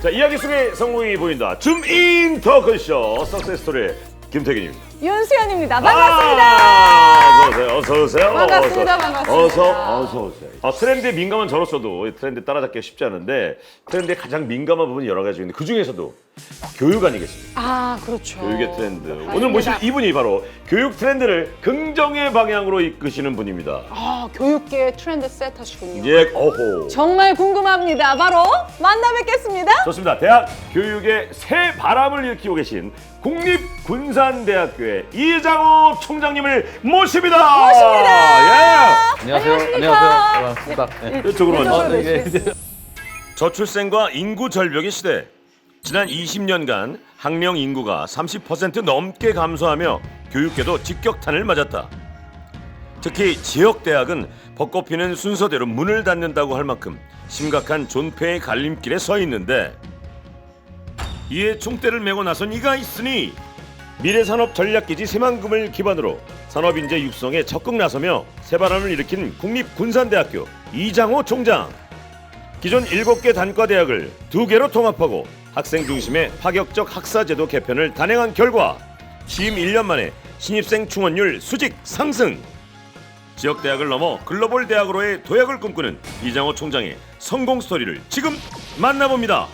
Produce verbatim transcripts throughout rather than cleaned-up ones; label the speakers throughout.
Speaker 1: 자, 이야기 속에 성공이 보인다. 줌인 터크쇼 석세스 스토리 김태균입니다.
Speaker 2: 윤수연입니다. 반갑습니다.
Speaker 1: 아, 어서 오세요. 어서 오세요.
Speaker 2: 반갑습니다.
Speaker 1: 어서,
Speaker 2: 반갑습니다.
Speaker 1: 어서 어서 오세요. 아, 트렌드에 민감한 저로서도 트렌드 따라잡기가 쉽지 않은데 트렌드에 가장 민감한 부분이 여러 가지 있는데 그 중에서도 교육 아니겠습니까?
Speaker 2: 아, 그렇죠.
Speaker 1: 교육의 트렌드.
Speaker 2: 맞습니다.
Speaker 1: 오늘 모실 이분이 바로 교육 트렌드를 긍정의 방향으로 이끄시는 분입니다.
Speaker 2: 아, 교육계 트렌드 세터시군요.
Speaker 1: 예, 어호.
Speaker 2: 정말 궁금합니다. 바로 만나 뵙겠습니다.
Speaker 1: 좋습니다. 대학 교육의 새 바람을 일으키고 계신 국립군산대학교의 이장호 총장님을 모십니다.
Speaker 2: 모십니다.
Speaker 1: 예.
Speaker 3: 안녕하세요.
Speaker 2: 안녕하십니까.
Speaker 3: 안녕하세요. 반갑습니다. 네.
Speaker 1: 이쪽으로
Speaker 2: 이쪽으로
Speaker 1: 먼저.
Speaker 2: 모시겠습니다.
Speaker 1: 저출생과 인구 절벽의 시대. 지난 이십 년간 학령 인구가 삼십 퍼센트 넘게 감소하며 교육계도 직격탄을 맞았다. 특히 지역 대학은 벚꽃 피는 순서대로 문을 닫는다고 할 만큼 심각한 존폐의 갈림길에 서 있는데 이에 총대를 메고 나선 이가 있으니 미래산업 전략기지 새만금을 기반으로 산업인재 육성에 적극 나서며 새바람을 일으킨 국립군산대학교 이장호 총장. 기존 일곱 개 단과대학을 두 개로 통합하고 학생 중심의 파격적 학사제도 개편을 단행한 결과 취임 일 년 만에 신입생 충원율 수직 상승. 지역대학을 넘어 글로벌 대학으로의 도약을 꿈꾸는 이장호 총장의 성공 스토리를 지금 만나봅니다.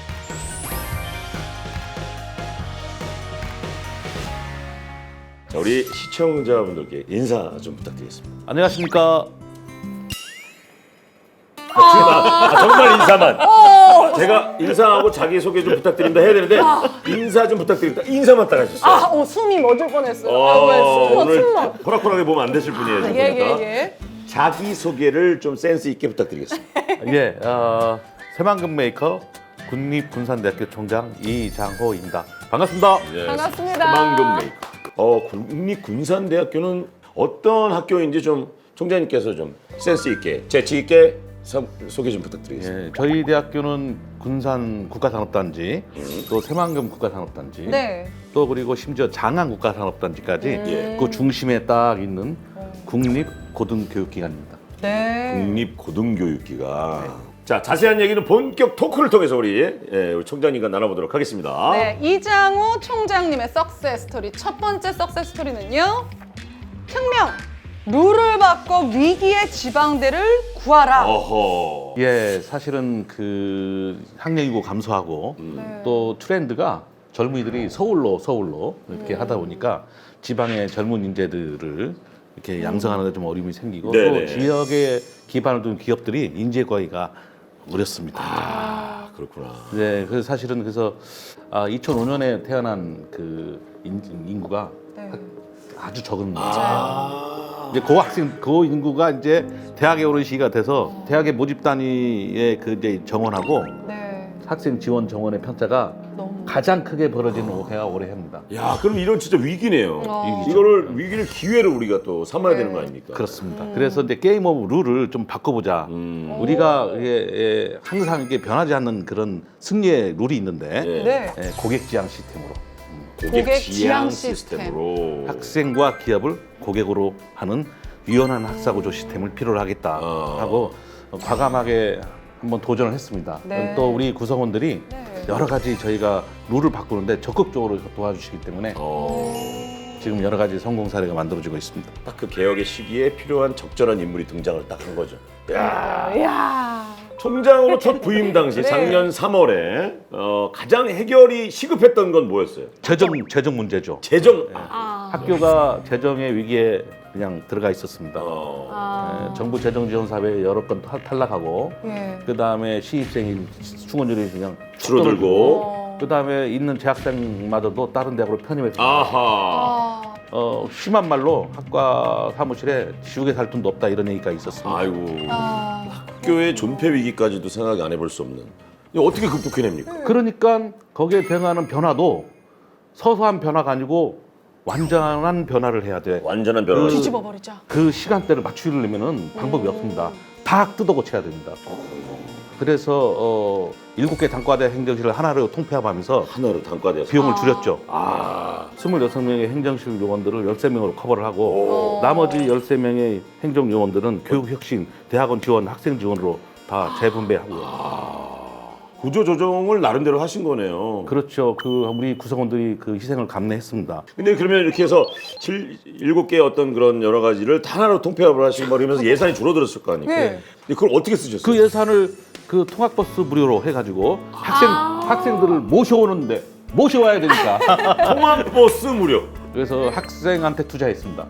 Speaker 1: 자, 우리 시청자분들께 인사 좀 부탁드리겠습니다.
Speaker 3: 안녕하십니까.
Speaker 1: 아, 정말 인사만. 제가 인사하고 자기소개 좀 부탁드립니다 해야 되는데 인사 좀 부탁드립니다. 인사만 딱 하셨어요.
Speaker 2: 아, 어, 숨이 멎을 뻔했어요.
Speaker 1: 어,
Speaker 2: 아, 왜 숨어,
Speaker 1: 오늘
Speaker 2: 숨어.
Speaker 1: 호락호락하게 보면 안 되실 분이에요. 지금
Speaker 2: 예,
Speaker 1: 보니까.
Speaker 2: 예, 예.
Speaker 1: 자기소개를 좀 센스 있게 부탁드리겠습니다.
Speaker 3: 예, 어, 새만금 메이커 국립군산대학교 총장 이장호입니다. 반갑습니다.
Speaker 1: 예,
Speaker 2: 반갑습니다.
Speaker 1: 새만금 메이커. 어, 국립군산대학교는 어떤 학교인지 좀 총장님께서 좀 센스 있게, 재치 있게 서, 소개 좀 부탁드리겠습니다.
Speaker 3: 예, 저희 대학교는 군산 국가산업단지, 또 새만금 국가산업단지,
Speaker 2: 네.
Speaker 3: 또 그리고 심지어 장안 국가산업단지까지
Speaker 1: 예.
Speaker 3: 그 중심에 딱 있는 국립고등교육기관입니다.
Speaker 2: 네.
Speaker 1: 국립고등교육기관. 자, 자세한 얘기는 본격 토크를 통해서 우리, 예, 우리 총장님과 나눠보도록 하겠습니다.
Speaker 2: 네, 이장호 총장님의 석세스 스토리. 첫 번째 석세스 스토리는요. 혁명. 룰을 바꿔 위기의 지방대를 구하라.
Speaker 1: 어허.
Speaker 3: 예, 사실은 그 학령인구 감소하고
Speaker 2: 네.
Speaker 3: 또 트렌드가 젊은이들이 서울로 서울로 이렇게 하다 보니까 지방의 젊은 인재들을 이렇게 양성하는 데 좀 어려움이 생기고
Speaker 1: 네네.
Speaker 3: 또 지역에 기반을 둔 기업들이 인재 구하기가 어렵습니다.
Speaker 1: 아, 그렇구나.
Speaker 3: 네, 그래서 사실은 그래서 아, 이천오 년에 태어난 그 인, 인구가
Speaker 2: 네.
Speaker 3: 아주 적은
Speaker 1: 아.
Speaker 3: 이제 그 학생 그 인구가 이제 대학에 오른 시기가 돼서 대학의 모집 단위에 그 이제 정원하고
Speaker 2: 네.
Speaker 3: 학생 지원 정원의 편차가
Speaker 2: 너무.
Speaker 3: 가장 크게 벌어지는 해가 올해입니다.
Speaker 1: 야, 그럼 이런 진짜 위기네요.
Speaker 2: 어.
Speaker 1: 이거를 위기를 기회로 우리가 또 삼아야 되는 거 아닙니까?
Speaker 3: 그렇습니다. 그래서 이제 게임 오브 룰을 좀 바꿔보자.
Speaker 1: 음.
Speaker 3: 우리가 이게 예, 항상 이게 변하지 않는 그런 승리의 룰이 있는데
Speaker 1: 예.
Speaker 2: 네.
Speaker 3: 예, 고객 지향 시스템으로
Speaker 1: 고객,
Speaker 2: 고객
Speaker 1: 지향
Speaker 2: 지향
Speaker 1: 시스템으로.
Speaker 3: 학생과 기업을 고객으로 하는 유연한 학사구조 시스템을 필요로 하겠다
Speaker 1: 어.
Speaker 3: 하고 과감하게 한번 도전을 했습니다.
Speaker 2: 네.
Speaker 3: 또 우리 구성원들이
Speaker 2: 네.
Speaker 3: 여러 가지 저희가 룰을 바꾸는데 적극적으로 도와주시기 때문에
Speaker 1: 어.
Speaker 3: 지금 여러 가지 성공 사례가 만들어지고 있습니다.
Speaker 1: 딱 그 개혁의 시기에 필요한 적절한 인물이 등장을 딱 한 거죠. 야.
Speaker 2: 이야.
Speaker 1: 총장으로 첫 부임 당시
Speaker 2: 네.
Speaker 1: 작년 삼월에 어, 가장 해결이 시급했던 건 뭐였어요?
Speaker 3: 재정 재정 문제죠.
Speaker 1: 재정. 아.
Speaker 2: 아.
Speaker 3: 학교가 재정의 위기에 그냥 들어가 있었습니다.
Speaker 1: 어.
Speaker 2: 아.
Speaker 3: 예, 정부 재정 지원 사업에 여러 건 탈- 탈락하고
Speaker 2: 예.
Speaker 3: 그 다음에 시입생이 충원율이 그냥
Speaker 1: 줄어들고.
Speaker 2: 어.
Speaker 3: 그 다음에 있는 재학생마저도 다른 대학으로 편입했습니다.
Speaker 1: 아하.
Speaker 2: 아.
Speaker 3: 어, 심한 말로 학과 사무실에 지우개 살 돈도 없다 이런 얘기가 있었습니다.
Speaker 1: 아이고.
Speaker 2: 아.
Speaker 1: 학교의 존폐 위기까지도 생각 안 해볼 수 없는. 이거 어떻게 극복해냅니까?
Speaker 3: 그러니까 거기에 대응하는 변화도 서서한 변화가 아니고 완전한 변화를 해야 돼.
Speaker 1: 완전한 변화.
Speaker 3: 그-
Speaker 2: 뒤집어 버리자.
Speaker 3: 그 시간대를 맞추려면은 방법이 없습니다. 다 뜯어 고쳐야 됩니다. 그래서 어, 일곱 개 단과대 행정실을 하나로 통폐합하면서
Speaker 1: 하나로 단과되어서.
Speaker 3: 비용을 줄였죠.
Speaker 1: 아.
Speaker 3: 스물여섯 명의 행정실 요원들을 열세 명으로 커버를 하고
Speaker 1: 오.
Speaker 3: 나머지 열세 명의 행정 요원들은 교육혁신, 대학원 지원, 학생 지원으로 다 재분배하고요.
Speaker 1: 구조 조정을 나름대로 하신 거네요.
Speaker 3: 그렇죠. 그 우리 구성원들이 그 희생을 감내했습니다.
Speaker 1: 근데 그러면 이렇게 해서 칠, 일곱 개의 어떤 그런 여러 가지를 다 하나로 통폐합을 하시고 막 이러면서 예산이 줄어들었을 거 아니에요.
Speaker 2: 네.
Speaker 1: 근데 그걸 어떻게 쓰셨어요?
Speaker 3: 그 예산을 그 통학버스 무료로 해가지고 학생 학생들을 모셔오는데 모셔와야 되니까
Speaker 1: 통학버스 무료.
Speaker 3: 그래서 학생한테 투자했습니다.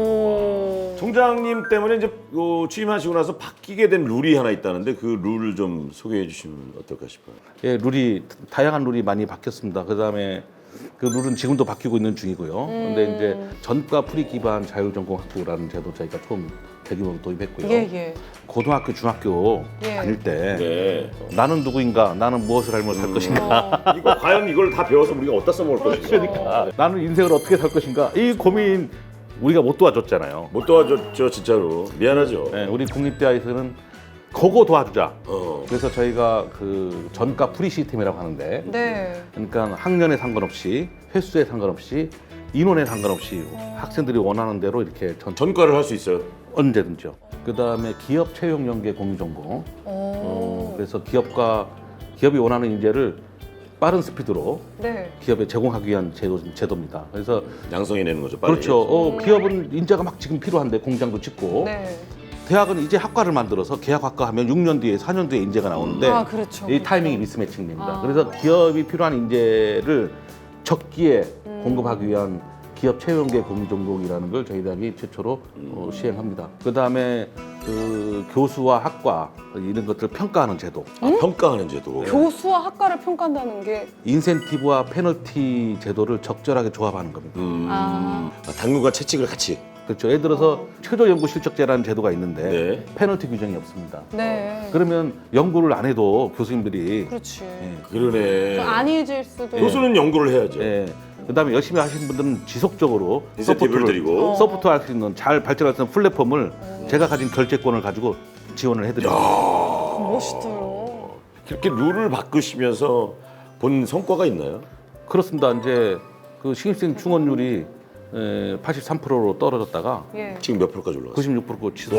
Speaker 2: 오.
Speaker 1: 총장님 때문에 이제 어, 취임하시고 나서 바뀌게 된 룰이 하나 있다는데 그 룰을 좀 소개해 주시면 어떨까 싶어요.
Speaker 3: 예, 룰이 다양한 룰이 많이 바뀌었습니다. 그다음에 그 룰은 지금도 바뀌고 있는 중이고요. 근데 이제 전과 프리 기반 자율전공학부라는 제도 저희가 처음 대규모로 도입했고요.
Speaker 2: 예, 예.
Speaker 3: 고등학교, 중학교
Speaker 2: 예.
Speaker 3: 다닐 때
Speaker 1: 네.
Speaker 3: 나는 누구인가, 나는 무엇을 알면 살 것인가,
Speaker 2: 어.
Speaker 1: 이거 과연 이걸 다 배워서 우리가 어디다 써먹을 것인가.
Speaker 3: 그러니까 나는 인생을 어떻게 살 것인가 이 고민 우리가 못 도와줬잖아요.
Speaker 1: 못 도와줬죠 진짜로. 미안하죠.
Speaker 3: 네, 우리 국립대학에서는 그거 도와주자.
Speaker 1: 어.
Speaker 3: 그래서 저희가 그 전과 프리 시스템이라고 하는데,
Speaker 2: 네.
Speaker 3: 그러니까 학년에 상관없이 횟수에 상관없이 인원에 상관없이 학생들이 원하는 대로 이렇게 전,
Speaker 1: 전과를 할 수 있어요.
Speaker 3: 언제든지요. 그 다음에 기업 채용 연계 공유 전공. 어,
Speaker 2: 오.
Speaker 3: 그래서 기업과 기업이 원하는 인재를 빠른 스피드로
Speaker 2: 네.
Speaker 3: 기업에 제공하기 위한 제도, 제도입니다. 그래서
Speaker 1: 양성해 내는 거죠. 빨리.
Speaker 3: 그렇죠. 어, 기업은 인재가 막 지금 필요한데 공장도 짓고
Speaker 2: 네.
Speaker 3: 대학은 이제 학과를 만들어서 계약학과 하면 육 년 뒤에 사 년 뒤에 인재가 나오는데
Speaker 2: 아, 그렇죠.
Speaker 3: 이 타이밍이 미스매칭입니다.
Speaker 2: 아.
Speaker 3: 그래서 기업이 필요한 인재를 적기에
Speaker 2: 음.
Speaker 3: 공급하기 위한 기업 채용계 공유 전공이라는 걸 저희 대학이 최초로 어, 시행합니다. 그 다음에 그 교수와 학과 이런 것들을 평가하는 제도,
Speaker 1: 아, 평가하는 제도.
Speaker 2: 교수와 학과를 평가한다는 게
Speaker 3: 인센티브와 페널티 제도를 적절하게 조합하는 겁니다.
Speaker 1: 음.
Speaker 2: 아.
Speaker 1: 아, 당구가 채찍을 같이.
Speaker 3: 그렇죠. 예를 들어서 최저 연구 실적제라는 제도가 있는데
Speaker 1: 네.
Speaker 3: 페널티 규정이 없습니다.
Speaker 2: 네.
Speaker 3: 그러면 연구를 안 해도 교수님들이
Speaker 2: 그렇지.
Speaker 3: 예,
Speaker 1: 그러네.
Speaker 2: 안 잊을 수도.
Speaker 1: 교수는 연구를 해야죠.
Speaker 3: 예. 그다음에 열심히 하시는 분들은 지속적으로
Speaker 1: 인센티브를
Speaker 3: 서포트를-
Speaker 1: 드리고.
Speaker 2: 어.
Speaker 3: 서포트 할 수 있는 잘 발전할 수 있는 플랫폼을 제가 가진 결제권을 가지고 지원을 해드립니다.
Speaker 2: 멋있어요.
Speaker 1: 이렇게 룰을 바꾸시면서 본 성과가 있나요?
Speaker 3: 그렇습니다. 이제 그 신입생 충원율이 에, 팔십삼 퍼센트로 떨어졌다가
Speaker 2: 예.
Speaker 1: 지금 몇 프로까지 올라갔어요?
Speaker 3: 구십육 퍼센트로 치솟.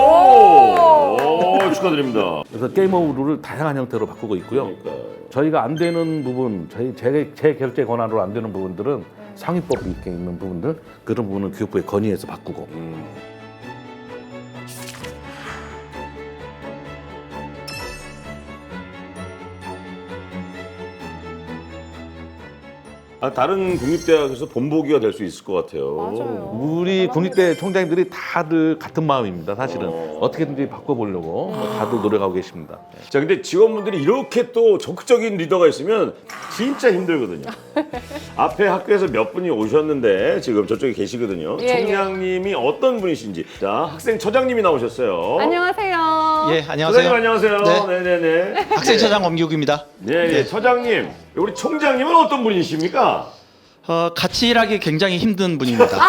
Speaker 1: 오! 오, 축하드립니다.
Speaker 3: 그래서 게임 오브 룰을 다양한 형태로 바꾸고 있고요.
Speaker 1: 그러니까
Speaker 3: 저희가 안 되는 부분, 저희 제, 제 결제 권한으로 안 되는 부분들은 상위법이 있게 있는 부분들 그런 부분은 교육부에 건의해서 바꾸고.
Speaker 1: 음. 아, 다른 국립대학에서 본보기가 될 수 있을 것 같아요.
Speaker 2: 맞아요.
Speaker 3: 우리 국립대 총장님들이 다들 같은 마음입니다. 사실은
Speaker 1: 어.
Speaker 3: 어떻게든지 바꿔보려고 다들 노력하고 계십니다.
Speaker 1: 자, 근데 직원분들이 이렇게 또 적극적인 리더가 있으면 진짜 힘들거든요. 앞에 학교에서 몇 분이 오셨는데 지금 저쪽에 계시거든요.
Speaker 2: 예,
Speaker 1: 총장님이 어떤 분이신지. 자, 학생 처장님이 나오셨어요.
Speaker 2: 안녕하세요.
Speaker 4: 예,
Speaker 1: 처장님
Speaker 4: 안녕하세요.
Speaker 1: 안녕하세요.
Speaker 4: 네.
Speaker 1: 네, 네, 네.
Speaker 4: 학생처장 엄기욱입니다.
Speaker 1: 네, 네. 처장님, 우리 총장님은 어떤 분이십니까?
Speaker 4: 어, 같이 일하기 굉장히 힘든 분입니다.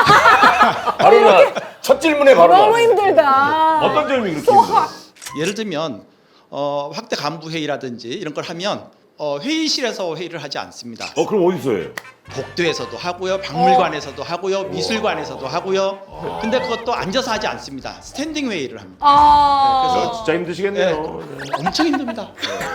Speaker 1: 바로 나 첫 질문에 바로
Speaker 2: 너무
Speaker 1: 나.
Speaker 2: 힘들다.
Speaker 1: 어떤 점이 그렇게 힘들어요?
Speaker 4: 예를 들면 어, 확대 간부 회의라든지 이런 걸 하면 어, 회의실에서 회의를 하지 않습니다.
Speaker 1: 어, 그럼 어디서 해요?
Speaker 4: 복도에서도 하고요, 박물관에서도 하고요, 미술관에서도 하고요. 근데 그것도 앉아서 하지 않습니다. 스탠딩 회의를 합니다.
Speaker 2: 아.
Speaker 1: 어, 진짜 힘드시겠네요.
Speaker 4: 엄청 힘듭니다.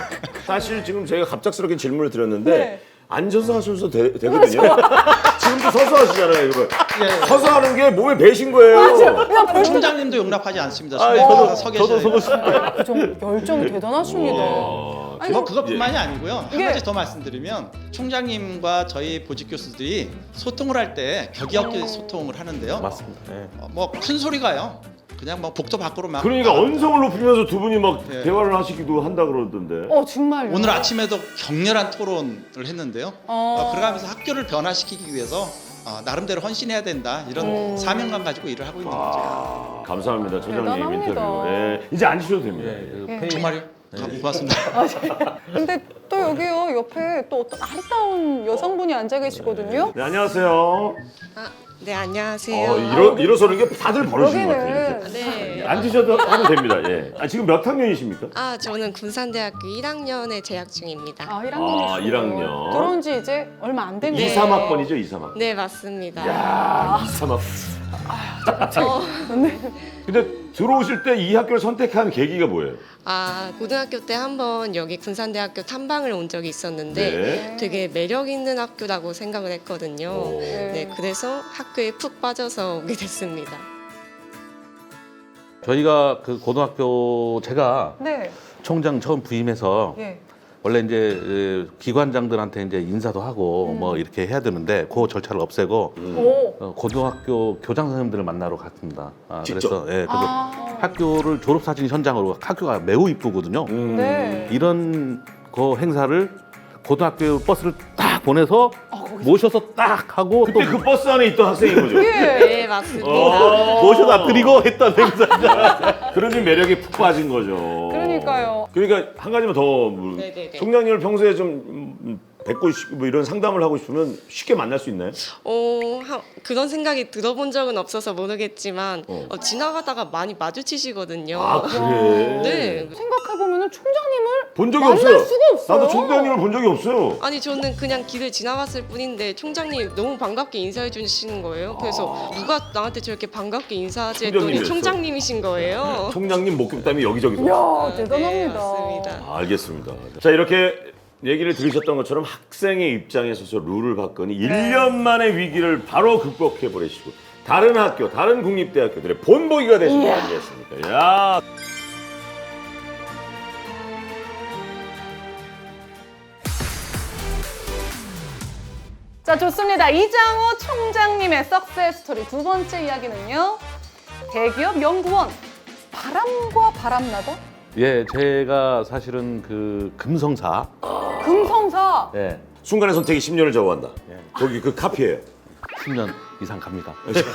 Speaker 1: 사실 지금 제가 갑작스럽게 질문을 드렸는데
Speaker 2: 네.
Speaker 1: 앉아서 하셔도 되, 되거든요. 지금도 서서 하시잖아요, 이거.
Speaker 4: 예.
Speaker 1: 서서 하는 게 몸에 배신 거예요.
Speaker 4: 총장님도 용납하지 않습니다.
Speaker 1: 아,
Speaker 4: 수고해서
Speaker 1: 저도-
Speaker 4: 서
Speaker 3: 저도
Speaker 4: 계셔야
Speaker 3: 서고
Speaker 4: 돼요.
Speaker 3: 싶습니다.
Speaker 2: 그 정, 열정이 대단하십니다.
Speaker 1: 와,
Speaker 2: 아니,
Speaker 4: 뭐 그것뿐만이 아니고요. 한
Speaker 2: 예.
Speaker 4: 가지 더 말씀드리면 총장님과 저희 보직 교수들이 소통을 할 때 격이 없게 소통을 하는데요.
Speaker 3: 맞습니다. 예.
Speaker 4: 뭐 큰 소리가요. 그냥 뭐 복도 밖으로 막.
Speaker 1: 그러니까 언성을 높이면서 두 분이 막
Speaker 4: 네.
Speaker 1: 대화를 하시기도 한다 그러던데.
Speaker 2: 어 정말요.
Speaker 4: 오늘 아침에도 격렬한 토론을 했는데요.
Speaker 2: 어.
Speaker 4: 어, 그러면서 학교를 변화시키기 위해서 어, 나름대로 헌신해야 된다 이런
Speaker 2: 음.
Speaker 4: 사명감 가지고 일을 하고 있는 거죠.
Speaker 1: 아, 감사합니다, 초장님
Speaker 2: 대단합니다.
Speaker 1: 인터뷰. 예, 이제 앉으셔도 됩니다.
Speaker 3: 예, 그
Speaker 2: 예.
Speaker 3: 페이-
Speaker 4: 정말요? 아, 고맙습니다.
Speaker 2: 근데 또 여기요 옆에 또 어떤 아리따운 여성분이 앉아 계시거든요.
Speaker 1: 네, 안녕하세요.
Speaker 5: 아, 네 안녕하세요.
Speaker 1: 어, 일어, 일어서는 게 다들 버릇인 것 같아요.
Speaker 2: 여기는
Speaker 5: 네.
Speaker 1: 앉으셔도 하면 됩니다. 예. 아, 지금 몇 학년이십니까?
Speaker 5: 아 저는 군산대학교 일 학년에 재학 중입니다.
Speaker 2: 아 일 학년이시고
Speaker 1: 아, 일 학년.
Speaker 2: 들어온 지 이제 얼마 안 된 거예요.
Speaker 1: 이, 삼 학번이죠, 이, 삼 학번.
Speaker 5: 네 맞습니다.
Speaker 1: 야, 이, 삼 학번.
Speaker 5: 어,
Speaker 1: 근데 들어오실 때 이 학교를 선택한 계기가 뭐예요?
Speaker 5: 아, 고등학교 때 한번 여기 군산대학교 탐방을 온 적이 있었는데
Speaker 1: 네.
Speaker 5: 되게 매력 있는 학교라고 생각을 했거든요.
Speaker 1: 오.
Speaker 5: 네, 그래서 학교에 푹 빠져서 오게 됐습니다.
Speaker 3: 저희가 그 고등학교 제가
Speaker 2: 네.
Speaker 3: 총장 처음 부임해서
Speaker 2: 예.
Speaker 3: 원래 이제 에, 기관장들한테 이제 인사도 하고 뭐 이렇게 해야 되는데 그 절차를 없애고
Speaker 2: 오.
Speaker 3: 어, 고등학교 교장 선생님들을 만나러 갔습니다. 아,
Speaker 1: 직접?
Speaker 3: 그래서 예, 그래서
Speaker 2: 아.
Speaker 3: 학교를 졸업사진 현장으로 학교가 매우 이쁘거든요.
Speaker 1: 음.
Speaker 2: 네.
Speaker 3: 이런 그 행사를 고등학교 버스를 딱 보내서 모셔서 딱 하고 또
Speaker 1: 그때 그 버스 안에 있던 학생인 거죠?
Speaker 2: 예.
Speaker 5: 네, 맞습니다.
Speaker 1: 어.
Speaker 3: 모셔다 드리고 했던 행사.
Speaker 1: 그러니 매력에 푹 빠진 거죠.
Speaker 2: 그러니까요.
Speaker 1: 그러니까 한 가지만 더 물-
Speaker 5: 네네네.
Speaker 1: 총장님을 평소에 좀 음, 뵙고 싶- 뭐 이런 상담을 하고 싶으면 쉽게 만날 수 있나요?
Speaker 5: 어, 하, 그런 생각이 들어본 적은 없어서 모르겠지만
Speaker 1: 어.
Speaker 5: 어, 지나가다가 많이 마주치시거든요.
Speaker 1: 아 그래?
Speaker 5: 네.
Speaker 2: 생각해보면 총장님을
Speaker 1: 본 적이
Speaker 2: 만날
Speaker 1: 없어요.
Speaker 2: 수가 없어요.
Speaker 1: 나도 총장님을 본 적이 없어요.
Speaker 5: 아니 저는 그냥 길을 지나갔을 뿐인데 총장님 너무 반갑게 인사해 주시는 거예요. 그래서 누가 나한테 저렇게 반갑게 인사하지 했더니
Speaker 1: 총장님이었어.
Speaker 5: 총장님이신 거예요.
Speaker 1: 총장님 목격담이 여기저기서.
Speaker 2: 이야,
Speaker 5: 아,
Speaker 2: 대단합니다.
Speaker 5: 네, 맞습니다.
Speaker 1: 아, 알겠습니다. 자 이렇게 얘기를 들으셨던 것처럼 학생의 입장에 서서 룰을 바꾸니 일 년 만에 위기를 바로 극복해 버리시고 다른 학교, 다른 국립대학교들의 본보기가 되신 거 아니겠습니까? 야.
Speaker 2: 자, 좋습니다. 이장호 총장님의 석세스 스토리 두 번째 이야기는요. 대기업 연구원, 바람과 바람나다?
Speaker 3: 예, 제가 사실은 그 금성사,
Speaker 2: 금성사.
Speaker 3: 예,
Speaker 1: 순간의 선택이 십 년을 좌우한다.
Speaker 3: 예.
Speaker 1: 저기 그 카피예요.
Speaker 3: 십 년 이상 갑니다.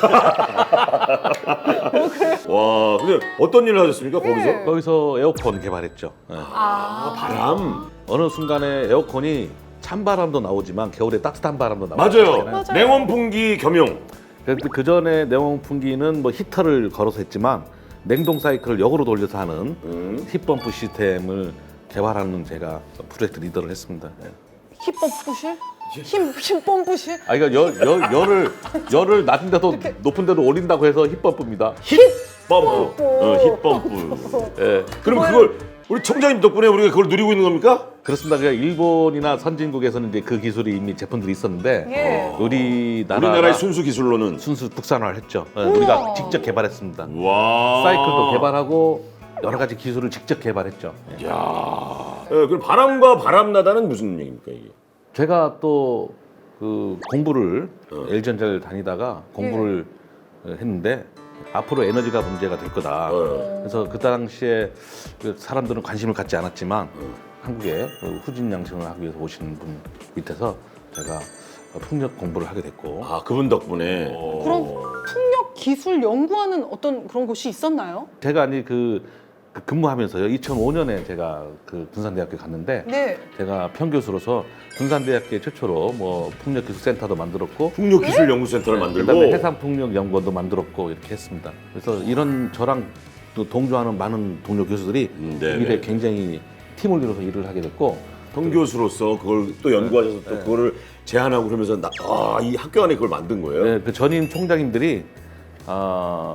Speaker 1: 와, 근데 어떤 일을 하셨습니까 거기서?
Speaker 2: 네.
Speaker 3: 거기서 에어컨 개발했죠. 예.
Speaker 1: 아, 바람.
Speaker 3: 어느 순간에 에어컨이 찬바람도 나오지만 겨울에 따뜻한 바람도 나오고
Speaker 1: 맞아요.
Speaker 2: 맞아요.
Speaker 1: 냉온 풍기 겸용.
Speaker 3: 그 전에 냉온풍기는 뭐 히터를 걸어서 했지만 냉동 사이클을 역으로 돌려서 하는
Speaker 1: 음.
Speaker 3: 힙펌프 시스템을 개발하는 제가 프로젝트 리더를 했습니다. 예.
Speaker 2: 힙펌프실? 힘, 힘 펌프실?
Speaker 3: 아 이거 열, 열, 열을 열을 낮은 데도 높은 데도 올린다고 해서 힙펌프입니다.
Speaker 1: 펌프. 어, 힙펌프.
Speaker 3: 예.
Speaker 1: 그럼 그걸 우리 총장님 덕분에 우리가 그걸 누리고 있는 겁니까?
Speaker 3: 그렇습니다. 그러니까 일본이나 선진국에서는 이제 그 기술이 이미 제품들이 있었는데
Speaker 2: 예.
Speaker 3: 우리나라
Speaker 1: 우리나라의 순수 기술로는.
Speaker 3: 순수 국산화를 했죠. 예, 우리가 직접 개발했습니다.
Speaker 1: 와.
Speaker 3: 사이클도 개발하고 여러 가지 기술을 직접 개발했죠. 예.
Speaker 1: 야. 예, 그럼 바람과 바람나다는 무슨 얘기입니까 이게?
Speaker 3: 제가 또 그 공부를
Speaker 1: 어.
Speaker 3: 엘지전자를 다니다가 공부를 했는데 앞으로 에너지가 문제가 될 거다.
Speaker 1: 어.
Speaker 3: 그래서 그 당시에 그 사람들은 관심을 갖지 않았지만 한국에 그 후진 양성을 하기 위해서 오시는 분 밑에서 제가 풍력 공부를 하게 됐고
Speaker 1: 아, 그분 덕분에.
Speaker 2: 그럼 풍력 기술 연구하는 어떤 그런 곳이 있었나요?
Speaker 3: 제가 아니 그, 그 근무하면서요 이천오 년에 제가 그 군산대학교 갔는데
Speaker 2: 네.
Speaker 3: 제가 평교수로서 군산대학교 최초로 뭐 풍력기술센터도 만들었고
Speaker 1: 풍력기술연구센터를 만들고.
Speaker 3: 그다음에 해상풍력연구원도 만들었고 이렇게 했습니다. 그래서 이런 저랑 또 동조하는 많은 동료 교수들이
Speaker 1: 음, 네,
Speaker 3: 일에
Speaker 1: 네.
Speaker 3: 굉장히 팀을 이뤄서 일을 하게 됐고
Speaker 1: 평교수로서 그걸 또 연구하셔서 또 그거를 제안하고 그러면서 나, 아, 이 학교 안에 그걸 만든 거예요?
Speaker 3: 네, 그 전임 총장님들이 아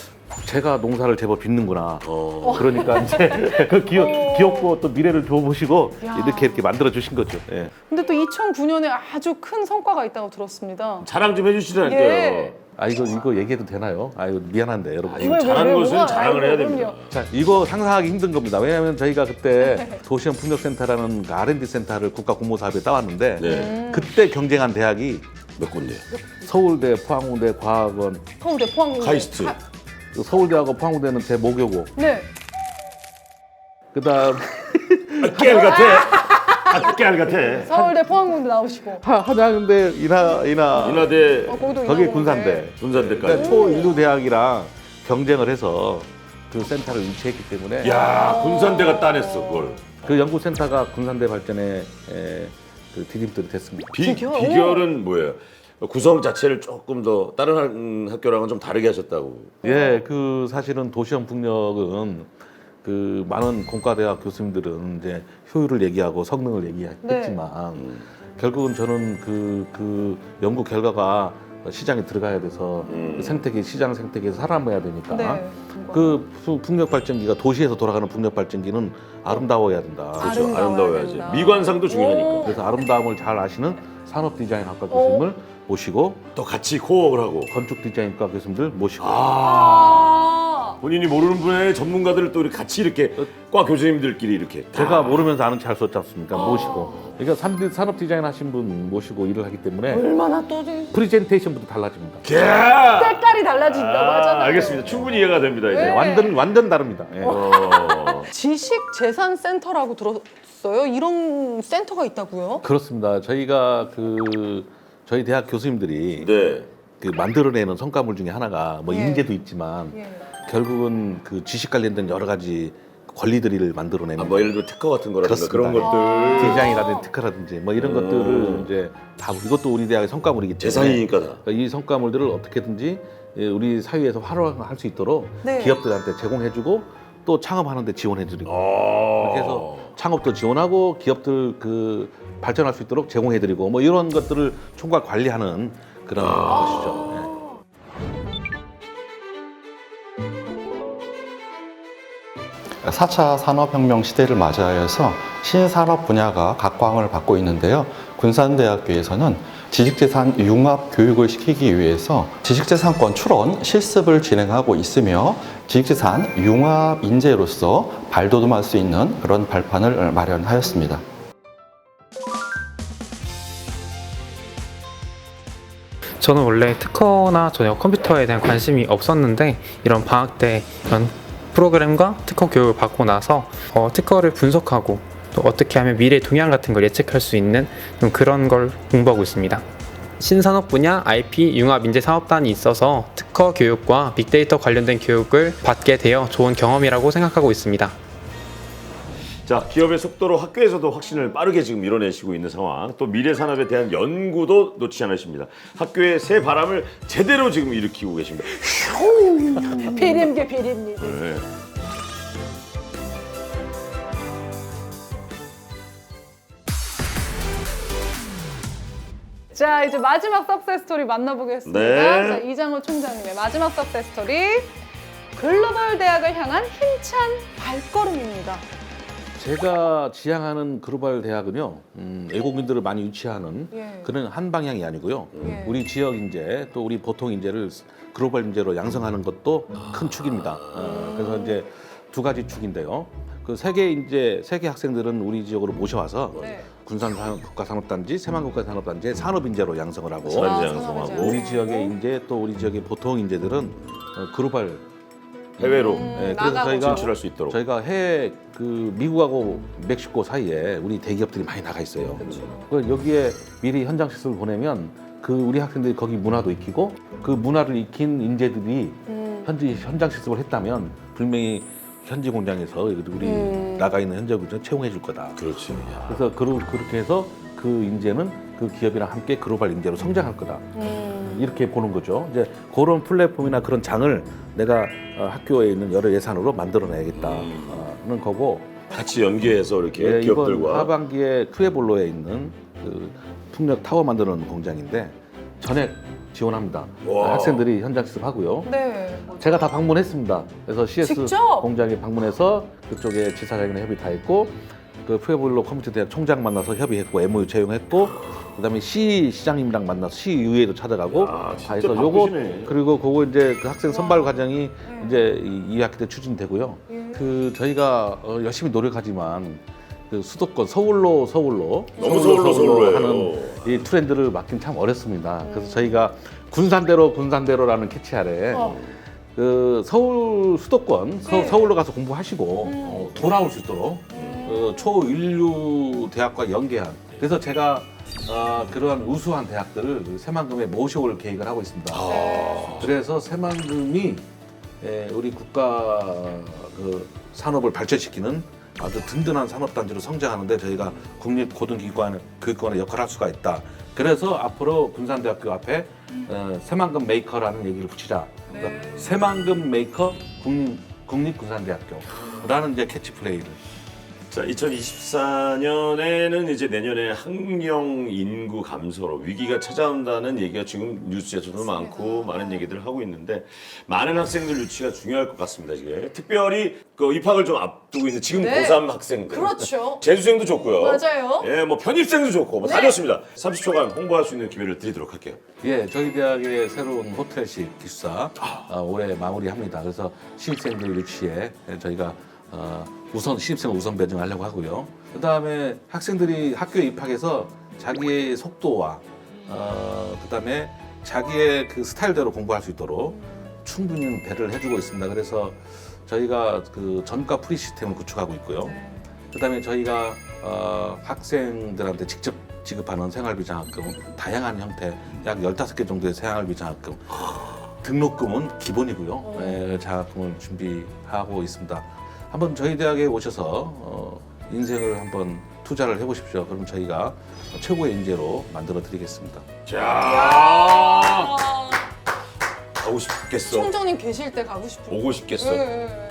Speaker 3: 제가 농사를 제법 빚는구나.
Speaker 1: 어.
Speaker 3: 그러니까 이제 그 기업, 기업고 또 미래를 줘보시고
Speaker 2: 야.
Speaker 3: 이렇게 이렇게 만들어 주신 거죠. 예.
Speaker 2: 근데 또 이천구 년에 아주 큰 성과가 있다고 들었습니다.
Speaker 1: 자랑 좀 해주시라니까요.
Speaker 2: 예.
Speaker 3: 아 이거 이거 얘기해도 되나요? 아 이거 미안한데 여러분.
Speaker 1: 이거 잘하는 것은 자랑을 해야 됩니다.
Speaker 3: 자, 이거 상상하기 힘든 겁니다. 왜냐하면 저희가 그때 도시형 풍력센터라는 그 알앤디 센터를 국가 공모 사업에 따왔는데
Speaker 1: 네.
Speaker 3: 그때 경쟁한 대학이
Speaker 1: 몇 군데?
Speaker 3: 서울대, 포항공대, 과학원,
Speaker 2: 서울대 포항
Speaker 1: 카이스트.
Speaker 3: 서울대하고 포항공대는 제 모교고
Speaker 2: 네.
Speaker 3: 그다음
Speaker 1: 깨알 같아. 아, 깨알 같아.
Speaker 2: 서울대 포항공대 나오시고.
Speaker 3: 하- 한양대, 인하, 인하,
Speaker 1: 인하대,
Speaker 2: 어, 거기도
Speaker 3: 거기
Speaker 2: 인하공대.
Speaker 3: 군산대.
Speaker 1: 군산대까지.
Speaker 3: 그러니까 초인류 대학이랑 경쟁을 해서 그 센터를 유치했기 때문에
Speaker 1: 야, 군산대가 따냈어 그걸.
Speaker 3: 그 연구센터가 군산대 발전에 에, 그 디딤돌이 됐습니다.
Speaker 1: 비,
Speaker 2: 비결?
Speaker 1: 비결은 뭐예요? 구성 자체를 조금 더 다른 학- 음, 학교랑은 좀 다르게 하셨다고.
Speaker 3: 예, 그 사실은 도시형 풍력은 그 많은 공과대학 교수님들은 이제 효율을 얘기하고 성능을 얘기했지만
Speaker 2: 네.
Speaker 3: 결국은 저는 그, 그 연구 결과가 시장에 들어가야 돼서
Speaker 1: 음.
Speaker 3: 그 생태계 시장 생태계에서 살아남아야 되니까
Speaker 2: 네.
Speaker 3: 그 부- 풍력 발전기가 도시에서 돌아가는 풍력 발전기는 아름다워야 된다.
Speaker 1: 그렇죠.
Speaker 2: 아름다워야
Speaker 1: 아름다워야지.
Speaker 2: 된다.
Speaker 1: 미관상도 중요하니까.
Speaker 2: 오.
Speaker 3: 그래서 아름다움을 잘 아시는 산업 디자인학과 교수님을 모시고
Speaker 1: 또 같이 코업을 하고.
Speaker 3: 건축 디자인과 교수님들 모시고
Speaker 2: 아.
Speaker 1: 본인이 모르는 분야의 전문가들을 또 이렇게 같이 이렇게 과 교수님들끼리 이렇게.
Speaker 3: 제가 모르면서 아는 체 할 수 없지 않습니까? 모시고 그러니까 산- 산업 디자인 하신 분 모시고 일을 하기 때문에
Speaker 2: 얼마나 또 지금
Speaker 3: 프레젠테이션부터 달라집니다.
Speaker 1: 야!
Speaker 2: 색깔이 달라진다고
Speaker 1: 아,
Speaker 2: 하잖아요.
Speaker 1: 알겠습니다. 충분히 이해가 됩니다. 이제.
Speaker 2: 네.
Speaker 3: 완전 완전 다릅니다. 예.
Speaker 1: 어.
Speaker 2: 지식재산센터라고 들었어요? 이런 센터가 있다고요?
Speaker 3: 그렇습니다. 저희가 그 저희 대학 교수님들이
Speaker 1: 네.
Speaker 3: 그 만들어내는 성과물 중에 하나가 뭐
Speaker 2: 예.
Speaker 3: 인재도 있지만
Speaker 2: 예.
Speaker 3: 결국은 그 지식 관련된 여러 가지 권리들을 만들어내는
Speaker 1: 아, 뭐 예를 들어 특허 같은 거라든가
Speaker 3: 그렇습니다.
Speaker 1: 그런 것들.
Speaker 3: 디자인이라든지 특허라든지 뭐 이런
Speaker 1: 음.
Speaker 3: 것들을 이제 다 이것도 우리 대학의 성과물이기 때문에
Speaker 1: 재산이니까 다.
Speaker 3: 그러니까 이 성과물들을 어떻게든지 예, 우리 사회에서 활용할 수 있도록
Speaker 2: 네.
Speaker 3: 기업들한테 제공해주고 또 창업하는데 지원해드리고
Speaker 1: 어.
Speaker 3: 그렇게 해서 창업도 지원하고 기업들 그 발전할 수 있도록 제공해드리고 뭐 이런 것들을 총괄 관리하는 그런 것이죠. 예.
Speaker 6: 사 차 산업혁명 시대를 맞이하여서 신산업 분야가 각광을 받고 있는데요. 군산대학교에서는 지식재산 융합 교육을 시키기 위해서 지식재산권 출원 실습을 진행하고 있으며 지식재산 융합 인재로서 발돋움할 수 있는 그런 발판을 마련하였습니다.
Speaker 7: 저는 원래 특허나 전혀 컴퓨터에 대한 관심이 없었는데 이런 방학 때 이런 프로그램과 특허 교육을 받고 나서 어, 특허를 분석하고 또 어떻게 하면 미래 동향 같은 걸 예측할 수 있는 좀 그런 걸 공부하고 있습니다. 신산업 분야 아이피 융합 인재 사업단이 있어서 특허 교육과 빅데이터 관련된 교육을 받게 되어 좋은 경험이라고 생각하고 있습니다.
Speaker 1: 자, 기업의 속도로 학교에서도 혁신을 빠르게 지금 밀어내시고 있는 상황. 또 미래 산업에 대한 연구도 놓치지 않으십니다. 학교의 새 바람을 제대로 지금 일으키고 계십니다.
Speaker 2: 비림계 비림니다.
Speaker 1: 네.
Speaker 2: 자, 이제 마지막 석세스 스토리 만나보겠습니다.
Speaker 1: 네.
Speaker 2: 자, 이장호 총장님의 마지막 석세스 스토리. 글로벌 대학을 향한 힘찬 발걸음입니다.
Speaker 3: 제가 지향하는 글로벌 대학은요, 음, 외국인들을 많이 유치하는
Speaker 2: 예.
Speaker 3: 그런 한 방향이 아니고요.
Speaker 2: 예.
Speaker 3: 우리 지역 인재 또 우리 보통 인재를 글로벌 인재로 양성하는 것도 큰 축입니다. 어, 그래서 이제 두 가지 축인데요. 그 세계 인재, 세계 학생들은 우리 지역으로 모셔와서
Speaker 2: 네.
Speaker 3: 군산 산업- 국가산업단지, 세만국가산업단지의 산업 인재로 양성을 하고
Speaker 1: 산업 인재
Speaker 2: 아,
Speaker 1: 양성하고.
Speaker 2: 산업 인재.
Speaker 3: 우리 지역의 인재 또 우리 지역의 보통 인재들은 어, 글로벌
Speaker 1: 해외로
Speaker 2: 음,
Speaker 3: 예, 그래서
Speaker 2: 나가고
Speaker 3: 저희가
Speaker 1: 진출할 수 있도록.
Speaker 3: 저희가 해외 그 미국하고 멕시코 사이에 우리 대기업들이 많이 나가 있어요. 그 여기에 미리 현장 실습을 보내면 그 우리 학생들이 거기 문화도 익히고 그 문화를 익힌 인재들이
Speaker 2: 음.
Speaker 3: 현지 현장 실습을 했다면 분명히 현지 공장에서 우리
Speaker 2: 음.
Speaker 3: 나가 있는 현장 공장 채용해 줄 거다.
Speaker 1: 그렇지.
Speaker 3: 그래서 그러, 그렇게 해서 그 인재는 그 기업이랑 함께 글로벌 인재로 성장할 거다.
Speaker 2: 음.
Speaker 3: 이렇게 보는 거죠. 이제 그런 플랫폼이나 그런 장을 내가 어, 학교에 있는 여러 예산으로 만들어내야겠다는 거고.
Speaker 1: 같이 연계해서 이렇게
Speaker 3: 예, 이번
Speaker 1: 기업들과.
Speaker 3: 하반기에 크레볼로에 있는 그 풍력 타워 만드는 공장인데 전액 지원합니다.
Speaker 1: 와.
Speaker 3: 학생들이 현장 실습하고요.
Speaker 2: 네.
Speaker 3: 제가 다 방문했습니다. 그래서 씨에스
Speaker 2: 직접?
Speaker 3: 공장에 방문해서 그쪽에 지사장이랑 협의 다 했고 그 푸에볼로 컴퓨터 대학 총장 만나서 협의했고 엠오유 채용했고 그다음에 시 시장님이랑 만나서 시 의회도 찾아가고
Speaker 1: 야, 진짜
Speaker 3: 다 해서 요거
Speaker 1: 바쁘시네.
Speaker 3: 그리고 그거 이제 그 학생 선발 과정이
Speaker 2: 네.
Speaker 3: 이제 이, 이 학기 때 추진되고요.
Speaker 2: 예.
Speaker 3: 그 저희가 어, 열심히 노력하지만 그 수도권 서울로 서울로
Speaker 1: 너무 서울로 서울로
Speaker 3: 하는
Speaker 1: 해요.
Speaker 3: 이 트렌드를 막긴 참 어렵습니다. 그래서 저희가 군산대로 군산대로라는 캐치 아래
Speaker 2: 어.
Speaker 3: 그 서울 수도권 서,
Speaker 2: 네.
Speaker 3: 서울로 가서 공부하시고 어, 돌아올 수 있도록 어, 초인류 대학과 연계한 그래서 제가 어, 그러한 우수한 대학들을 새만금에 모셔올 계획을 하고 있습니다.
Speaker 1: 아.
Speaker 3: 그래서 새만금이 에, 우리 국가 그 산업을 발전시키는 아주 든든한 산업단지로 성장하는데 저희가 국립고등기관 교육관의 역할을 할 수가 있다. 그래서 앞으로 군산대학교 앞에 어, 새만금 메이커라는 얘기를 붙이자. 그러니까 새만금 메이커 국립, 국립군산대학교라는 이제 캐치플레이를
Speaker 1: 자, 이천이십사 년에는 이제 내년에 학령 인구 감소로 위기가 찾아온다는 얘기가 지금 뉴스에서도 많고 많은 얘기들을 하고 있는데 많은 학생들 유치가 중요할 것 같습니다. 지금 특별히 그 입학을 좀 앞두고 있는 지금
Speaker 2: 네.
Speaker 1: 고삼 학생들.
Speaker 2: 그렇죠.
Speaker 1: 재수생도 좋고요.
Speaker 2: 맞아요.
Speaker 1: 예, 뭐 편입생도 좋고 뭐 다
Speaker 2: 네.
Speaker 1: 좋습니다. 삼십 초간 홍보할 수 있는 기회를 드리도록 할게요.
Speaker 3: 예, 저희 대학의 새로운 호텔식 기숙사 어, 올해 마무리합니다. 그래서 신입생들 유치에 저희가 어, 우선 신입생을 우선 배정하려고 하고요. 그 다음에 학생들이 학교에 입학해서 자기의 속도와 어, 그 다음에 자기의 그 스타일대로 공부할 수 있도록 충분히 배려를 해주고 있습니다. 그래서 저희가 그 전과 프리 시스템을 구축하고 있고요. 그 다음에 저희가 어, 학생들한테 직접 지급하는 생활비 장학금 다양한 형태 약 열다섯 개 정도의 생활비 장학금 등록금은 기본이고요. 예, 장학금을 준비하고 있습니다. 한번 저희 대학에 오셔서 어, 인생을 한번 투자를 해보십시오. 그럼 저희가 최고의 인재로 만들어 드리겠습니다.
Speaker 1: 자,
Speaker 2: 아,
Speaker 1: 가고 싶겠어.
Speaker 2: 총장님 계실 때 가고 싶어요.
Speaker 1: 오고 싶겠어.
Speaker 2: 네.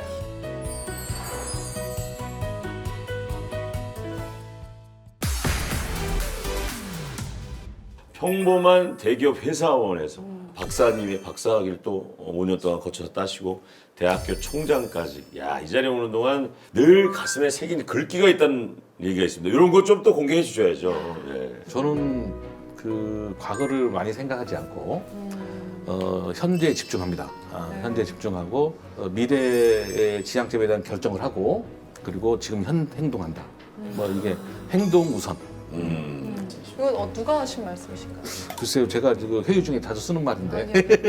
Speaker 1: 평범한 대기업 회사원에서 박사님의 박사학위를 또 오 년 동안 거쳐서 따시고 대학교 총장까지. 야, 이 자리에 오는 동안 늘 가슴에 새긴 글귀가 있다는 얘기가 있습니다. 이런 것 좀 또 공개해 주셔야죠. 예.
Speaker 3: 저는 그 과거를 많이 생각하지 않고 어, 현재에 집중합니다. 아, 현재에 집중하고 어, 미래의 지향점에 대한 결정을 하고 그리고 지금 현 행동한다. 뭐 이게 행동 우선.
Speaker 1: 음.
Speaker 2: 이건 어, 누가 하신 말씀이신가요?
Speaker 3: 글쎄요, 제가 지금 회의 중에 자주 쓰는 말인데.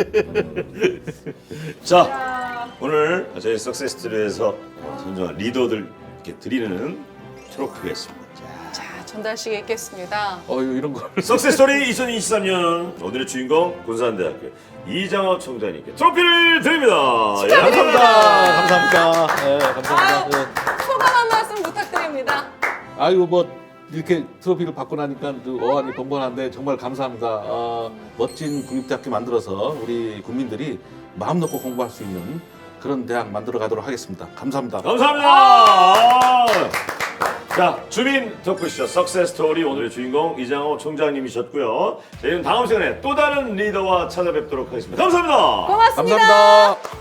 Speaker 1: 자,
Speaker 2: 자,
Speaker 1: 오늘 저희 석세스토리에서 선정한 리더들 이렇게 드리는 트로피가 있습니다.
Speaker 2: 자, 전달식에 있겠습니다.
Speaker 3: 어 이런 걸.
Speaker 1: 석세스토리 이천이십삼 년 오늘의 주인공 군산대학교 이장호 총장님께 트로피를 드립니다. 예,
Speaker 3: 감사합니다. 감사합니다. 네, 감사합니다. 네.
Speaker 2: 소감 한 말씀 부탁드립니다.
Speaker 3: 아이고 뭐 이렇게 트로피를 받고 나니까 그 어안이 번번한데 정말 감사합니다. 어, 멋진 국립대학교 만들어서 우리 국민들이 마음 놓고 공부할 수 있는 그런 대학 만들어 가도록 하겠습니다. 감사합니다.
Speaker 1: 감사합니다. 자, 주민 토크쇼 석세스토리 오늘의 주인공 이장호 총장님이셨고요. 저희는 다음 시간에 또 다른 리더와 찾아뵙도록 하겠습니다. 감사합니다.
Speaker 2: 고맙습니다.
Speaker 3: 감사합니다.